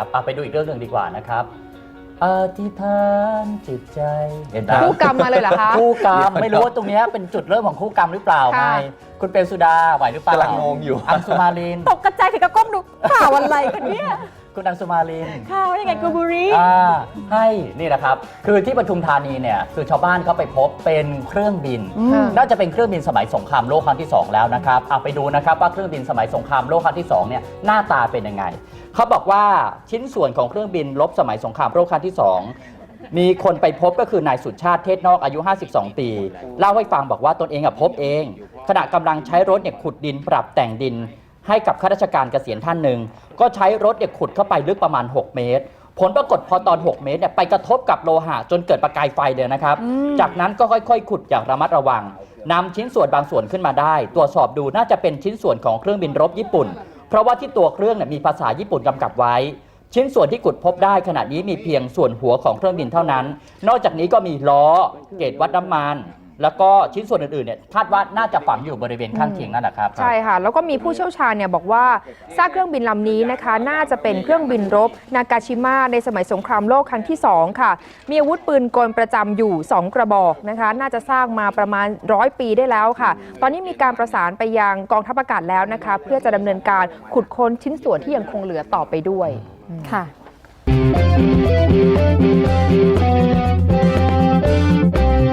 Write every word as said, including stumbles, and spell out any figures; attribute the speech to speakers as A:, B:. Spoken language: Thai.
A: นะครับเอาไปดูอีกเรื่องหนึ่งดีกว่านะครับอธิษฐานจิตใจเห็นไหม
B: คู่กรรมมาเลยเหรอคะ
A: คู่กรรมไม่รู้ว่าตรงนี้เป็นจุดเริ่มของคู่กรรมหรือเปล่าไงคุณเปรมสุดาไหวหรือเปล่าก
C: ำลังงงอยู่
A: อังสุมาลิน
B: ตกกระจายถึงกระก้มดูข่าวอะไรกันเนี่ย
A: คุณอังสุมาลิน
B: ข่าวยังไงกูบุรี
A: อ่าให้นี่นะครับคือที่ปทุมธานีเนี่ยคือชาวบ้านเขาไปพบเป็นเครื่องบิน น่าจะเป็นเครื่องบินสมัยสงครามโลกครั้งที่สองแล้วนะครับเอาไปดูนะครับว่าเครื่องบินสมัยสงครามโลกครั้งที่สองเนี่ยหน้าตาเป็นยังไงเขาบอกว่าชิ้นส่วนของเครื่องบินรบสมัยสงครามโลกครั้งที่สองมีคนไปพบก็คือนายสุชาติเทศนอกอายุห้าสิบสองปีเล่าให้ฟังบอกว่าตนเองพบเองขณะกำลังใช้รถเนี่ยขุดดินปรับแต่งดินให้กับข้าราชการเกษียณท่านหนึ่งก็ใช้รถเนี่ยขุดเข้าไปลึกประมาณหกเมตรผลปรากฏพอตอนหกเมตรเนี่ยไปกระทบกับโลหะจนเกิดประกายไฟเลยนะครับจากนั้นก็ค่อยๆขุดอย่างระมัดระวังนำชิ้นส่วนบางส่วนขึ้นมาได้ตรวจสอบดูน่าจะเป็นชิ้นส่วนของเครื่องบินรบญี่ปุ่นเพราะว่าที่ตัวเครื่องเนี่ยมีภาษาญี่ปุ่นกำกับไว้ชิ้นส่วนที่ขุดพบได้ขณะนี้มีเพียงส่วนหัวของเครื่องบินเท่านั้นนอกจากนี้ก็มีล้อเกจวัดน้ำมันแล้วก็ชิ้นส่วนอื่นๆเนี่ยคาดว่าน่าจะฝังอยู่บริเวณข้างเคียงนั่นแหละครับ
B: ใช่ค่ะแล้วก็มีผู้เชี่ยวชาญเนี่ยบอกว่าซากเครื่องบินลำนี้นะคะน่าจะเป็นเครื่องบินรบนากาชิมะในสมัยสงครามโลกครั้งที่สองค่ะมีอาวุธปืนกลประจำอยู่สองกระบอกนะคะน่าจะสร้างมาประมาณร้อยปีได้แล้วค่ะตอนนี้มีการประสานไปยังกองทัพอากาศแล้วนะคะเพื่อจะดำเนินการขุดค้นชิ้นส่วนที่ยังคงเหลือต่อไปด้วยค่ะ